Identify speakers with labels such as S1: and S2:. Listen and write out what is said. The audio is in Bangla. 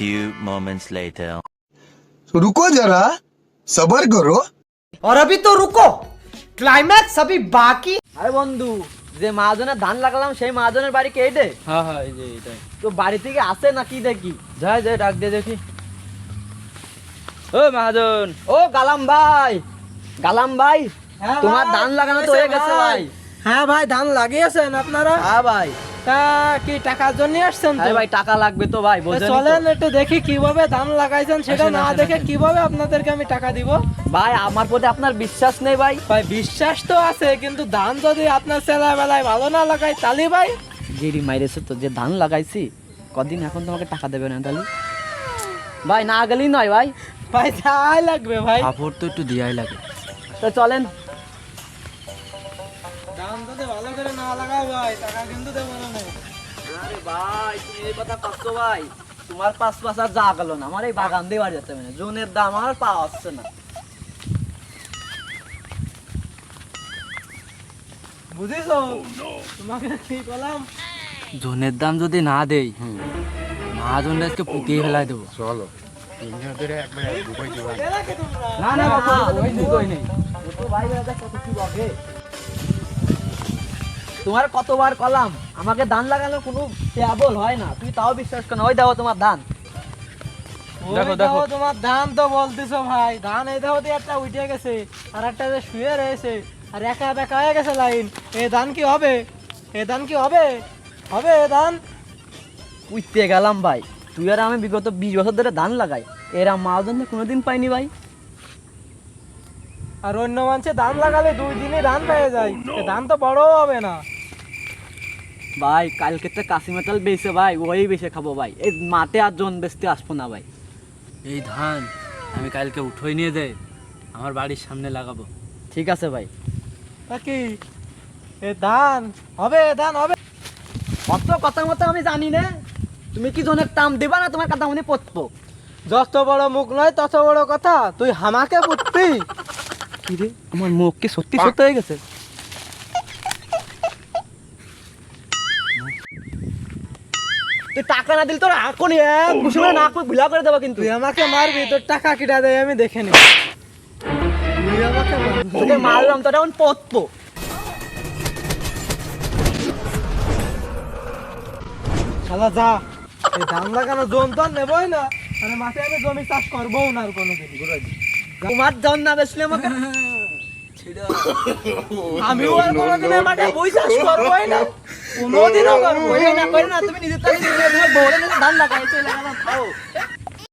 S1: few moments later.
S2: रुको जरा सबर करो
S3: और अभी तो रुको क्लाइमैक्स अभी बाकी।
S4: আরে বন্ধু যে মাহাজনের ধান লাগালাম সেই মাহাজনের বাড়ি কে রে?
S5: হ্যাঁ হ্যাঁ এই যে এটাই।
S4: তো বাড়ি থেকে আসে নাকি দেখি?
S5: যাই যাই ডাক দিয়ে দেখি। ও মহাজন,
S4: ও গালাম ভাই, গালাম ভাই, তোমার ধান লাগানো তো হয়ে গেছে ভাই।
S3: হ্যাঁ ভাই ধান লাগিয়েছেন আপনারা?
S4: হ্যাঁ ভাই।
S3: তা কি টাকার জন্য আসছেন?
S4: আরে ভাই টাকা লাগবে তো ভাই, বোঝেন তো।
S3: চলেন একটু দেখি কিভাবে ধান লাগাইছেন, সেটা না দেখে কিভাবে আপনাদেরকে আমি টাকা দিব।
S4: ভাই আমার প্রতি আপনার বিশ্বাস নেই ভাই?
S3: ভাই বিশ্বাস তো আছে, কিন্তু ধান যদি আপনার ছেলেবেলায় ভালো না লাগাই তাহলে ভাই
S4: গিরি মাইরেছে তো, যে ধান লাগাইছি কদিন এখন তোমাকে টাকা দেবে না তাহলে? ভাই না গেলেই নয় ভাই।
S3: ভাই যাই লাগবে ভাই।
S5: কাপড় তো একটু দিয়াই লাগে।
S4: তো চলেন।
S3: ধান যদি ভালো করে না লাগাও ভাই টাকা কিন্তু দেবো না।
S4: আরে ভাই তুমি এই কথা করছো ভাই, তোমার 5 আর যা গেল না, আমার এই বাগান দিয়ে বাড়ি যাচ্ছে, মানে জোনের দাম আর পাওয়া যাচ্ছে না।
S3: বুঝেছো তোমাকে কি বললাম?
S5: জনের দাম যদি না দেই মহাজনটা আজকে পুঁতিয়ে ফেলাই দেবো।
S4: না না বাবা ওই দুটোই নেই। দুটো ভাই দাদা কত কি বকে। তোমার কতবার কলাম আমাকে ধান লাগানো কোনো কেবল হয় না, তুই তাও বিশ্বাস কর না। ওই দেখো তোমার ধান।
S3: দেখো দেখো তোমার ধান তো বলতেছো ভাই, ধান এই দেখো দিয়ে একটা উঠে গেছে আর একটা যে শুয়ে রয়েছে আর একা বেকা হয়ে গেছে লাইন। এই ধান কি হবে? এই ধান কি হবে? হবে এই ধান?
S4: উঠতে গেলাম ভাই, তুই আর আমি বিগত 20 বছর ধরে ধান লাগাই, এরা মাহাজন কোনোদিন পাইনি ভাই।
S3: আর অন্য মানুষে ধান লাগালে 2 দিনে ধান পেয়ে যায়, এই ধান তো বড়ও হবে না।
S4: ভাই কালকে তো কাশি মেটাল বেচে ভাই, ওই বেচে খাবো ভাই, এই মাঠে আর জন বেচতে আসবো না ভাই।
S5: এই ধান আমি কালকে উঠোই নিয়ে যাই আমার বাড়ির সামনে লাগাবো।
S4: ঠিক আছে ভাই।
S3: তা কি এই ধান হবে? এই ধান হবে?
S4: অত কথা মতো আমি জানি না, তুমি কি জনের টাম দিবা না তোমার কথা মনে পড়বো?
S3: যত বড় মুখ নয় তত বড় কথা, তুই হামাকে পুতবি?
S4: কি রে আমার মুখ কি সত্যি সত্যি হয়ে গেছে? তুই টাকা না দিলে তোর এখনই কুসুমে নাক মুখ ভিলা করে দেবো কিন্তু।
S3: তুই আমাকে মারবি, তোর টাকা কিটা দেয় আমি দেখে নি। তুই আমাকে মারবি।
S4: তোকে মারলাম তোর এখন পড়বো।
S3: শালা যা, এই ধান লাগানো জোন তো আর নেবই না, মানে মাঠে আমি জমি চাষ করবোও না আর কোনোদিন।
S4: তোমার জন না বেসলে আমাকে
S3: আমিও আর কোনোদিন এই মাঠে বই চাষ করবোই না, কোনোদিনও করবো
S4: না করে না। তুমি নিজের তাকে তোমার বউরে ধান লাগাইছো, লাগালাম খাও।